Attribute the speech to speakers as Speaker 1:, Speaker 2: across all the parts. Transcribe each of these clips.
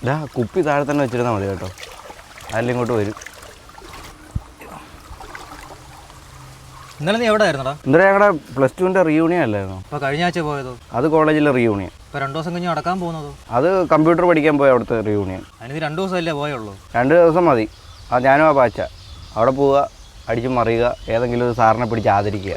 Speaker 1: ഇതാ കുപ്പി താഴെ തന്നെ വെച്ചിരുന്നാൽ മതി കേട്ടോ, അതിൽ ഇങ്ങോട്ട് വരും.
Speaker 2: ഇന്നലെ നീ എവിടെ ആയിരുന്നടാ?
Speaker 1: ഇന്നലെ ഞങ്ങളുടെ +2 റീയൂണിയൻ അല്ലായിരുന്നു?
Speaker 2: അപ്പോൾ കഴിഞ്ഞ ആഴ്ച പോയതോ?
Speaker 1: അത് കോളേജിലെ റീയൂണിയൻ.
Speaker 2: ഇപ്പോൾ 2 ദിവസം കഴിഞ്ഞ് നടക്കാൻ പോകുന്നതോ?
Speaker 1: അത് കമ്പ്യൂട്ടർ പഠിക്കാൻ പോയ അവിടുത്തെ റീയൂണിയൻ.
Speaker 2: അതിന് 2 ദിവസമല്ലേ പോയുള്ളൂ?
Speaker 1: 2 ദിവസം മതി. അത് ഞാനും ആ ബാച്ച അവിടെ പോവുക, അടിച്ച് മറിയുക, ഏതെങ്കിലും ഒരു സാറിനെ പിടിച്ച് ആദരിക്കുക.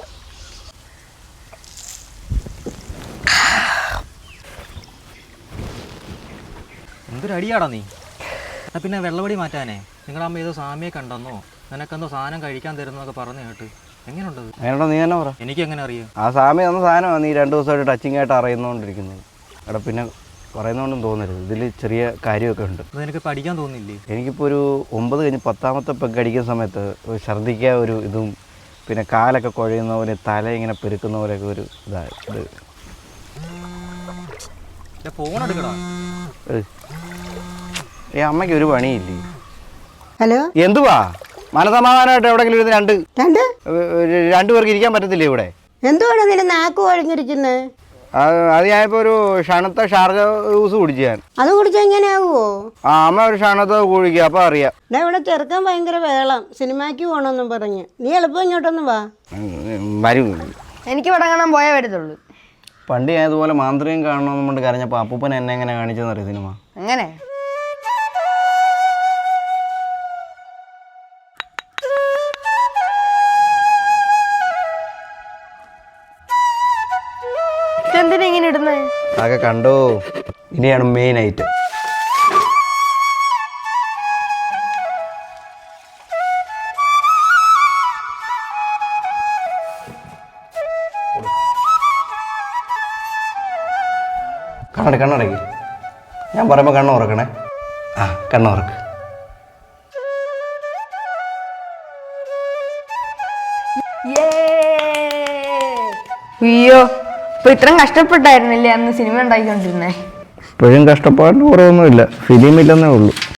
Speaker 2: എന്തൊരു അടിയാടാ നീ. എന്നാൽ പിന്നെ വെള്ളപടി മാറ്റാനേ നിങ്ങളമ്മ ഏതോ സാമിയെ കണ്ടെന്നോ നിനക്കെന്തോ സാധനം കഴിക്കാൻ തരുന്നതൊക്കെ പറഞ്ഞു കേട്ട്. എങ്ങനെയുണ്ടത്?
Speaker 1: അങ്ങനെയുണ്ടോ? നീ തന്നെ പറ.
Speaker 2: എനിക്ക് എങ്ങനെ അറിയാം?
Speaker 1: ആ സാമി തന്ന സാധനമാണ് നീ 2 ദിവസമായിട്ട് ടച്ചിങ് ആയിട്ട് അറിയുന്നോണ്ടിരിക്കുന്നത്. എടാ പിന്നെ പറയുന്നതുകൊണ്ടും തോന്നരുത്, ഇതിൽ ചെറിയ കാര്യമൊക്കെ ഉണ്ട്.
Speaker 2: അത് നിനക്ക് പഠിക്കാൻ തോന്നില്ലേ?
Speaker 1: എനിക്കിപ്പോൾ ഒരു 9 കഴിഞ്ഞ് 10ാമത്തെ പെഗ് അടിക്കുന്ന സമയത്ത് ഒരു ഛർദ്ദിക്കുക ഒരു ഇതും, പിന്നെ കാലൊക്കെ കുഴയുന്ന പോലെ തല ഇങ്ങനെ പെരുക്കുന്ന പോലെയൊക്കെ ഒരു ഇതായത്.
Speaker 2: ഫോൺ എടുക്കടാ.
Speaker 1: ഈ അമ്മയ്ക്ക് ഒരു പണിയില്ലേ?
Speaker 3: ഹലോ,
Speaker 1: എന്തുവാ മനസമാധാനമായിട്ട് എവിടെയെങ്കിലും ഇരുന്ന് രണ്ടു പേർക്ക് ഇരിക്കാൻ പറ്റത്തില്ലേ ഇവിടെ?
Speaker 3: എന്തുവാണ് നിന്റെ നാക്ക് ഒഴിഞ്ഞിരിക്കുന്നത്?
Speaker 1: അത് ഞാനിപ്പോൾ ഒരു ഷണത്തെ ഷാർജ ജ്യൂസ് കുടിച്ചു ഞാൻ.
Speaker 3: അത് കുടിച്ചാൽ എങ്ങനെയാവുമോ?
Speaker 1: ആ അമ്മ ഒരു ഷണത്തെ കുടിക്കുക, അപ്പോൾ അറിയാം.
Speaker 3: ഇവിടെ ചെറുക്കാൻ ഭയങ്കര വേളം, സിനിമയ്ക്ക് പോകണമെന്നും പറഞ്ഞ്. നീ എളുപ്പം ഇങ്ങോട്ടൊന്ന് വാ.
Speaker 1: വരും.
Speaker 4: എനിക്ക് ഇവിടെ കാണാൻ പോയേ വരത്തുള്ളൂ.
Speaker 1: പണ്ട് ഞാൻ ഇതുപോലെ മാന്ത്രികം കാണണമെന്ന് കൊണ്ട് കരഞ്ഞപ്പോൾ അപ്പൂപ്പൻ എന്നെ എങ്ങനെ കാണിച്ചെന്നറിയാം സിനിമ.
Speaker 4: അങ്ങനെ എന്തിനാ ഇങ്ങനെ ഇടുന്നത്?
Speaker 1: അതൊക്കെ കണ്ടോ, ഇനിയാണ് മെയിൻ ഐറ്റം. കണ്ണടയ്ക്ക്. ഞാൻ പറയുമ്പോൾ കണ്ണ് ഉറക്കണേ. ആ കണ്ണ് ഉറക്ക്.
Speaker 4: അയ്യോ, ഇപ്പൊ ഇത്രയും കഷ്ടപ്പെട്ടായിരുന്നില്ലേ അന്ന് സിനിമ ഉണ്ടാക്കിക്കൊണ്ടിരുന്നേ?
Speaker 1: ഇപ്പോഴും കഷ്ടപ്പാടിന് കുറവൊന്നുമില്ല, ഫിലിമില്ലെന്നേ ഉള്ളൂ.